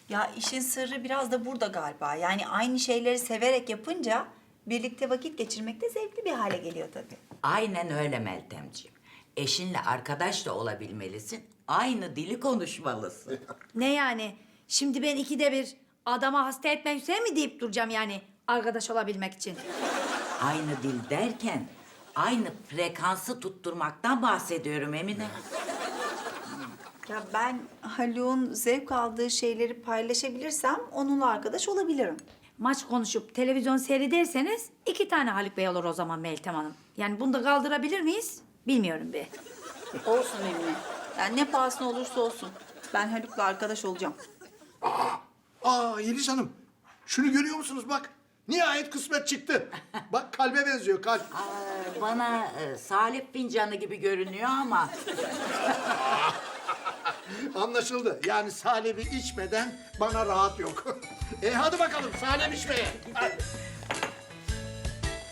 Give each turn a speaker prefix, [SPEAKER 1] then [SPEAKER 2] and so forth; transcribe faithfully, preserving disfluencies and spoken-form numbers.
[SPEAKER 1] Ya işin sırrı biraz da burada galiba. Yani aynı şeyleri severek yapınca birlikte vakit geçirmek de zevkli bir hale geliyor tabii.
[SPEAKER 2] Aynen öyle Meltemciğim. Eşinle arkadaş da olabilmelisin. Aynı dili konuşmalısın.
[SPEAKER 3] Ne yani? Şimdi ben ikide bir adama hasta etmek üzere mi deyip duracağım yani arkadaş olabilmek için?
[SPEAKER 2] Aynı dil derken aynı frekansı tutturmaktan bahsediyorum Emine.
[SPEAKER 1] Ya ben Haluk'un zevk aldığı şeyleri paylaşabilirsem onunla arkadaş olabilirim.
[SPEAKER 3] Maç konuşup televizyon seyrederseniz iki tane Haluk Bey olur o zaman Meltem Hanım. Yani bunu da kaldırabilir miyiz? Bilmiyorum be.
[SPEAKER 1] Olsun Emine. Yani ne pahasına olursa olsun. Ben Haluk'la arkadaş olacağım.
[SPEAKER 4] Aa Yeliz Hanım, şunu görüyor musunuz bak? Nihayet kısmet çıktı. Bak kalbe benziyor kalp.
[SPEAKER 2] Aa, bana e, salep fincanı gibi görünüyor ama
[SPEAKER 4] Anlaşıldı. Yani salebi içmeden bana rahat yok. e hadi bakalım salep içmeye. Hadi.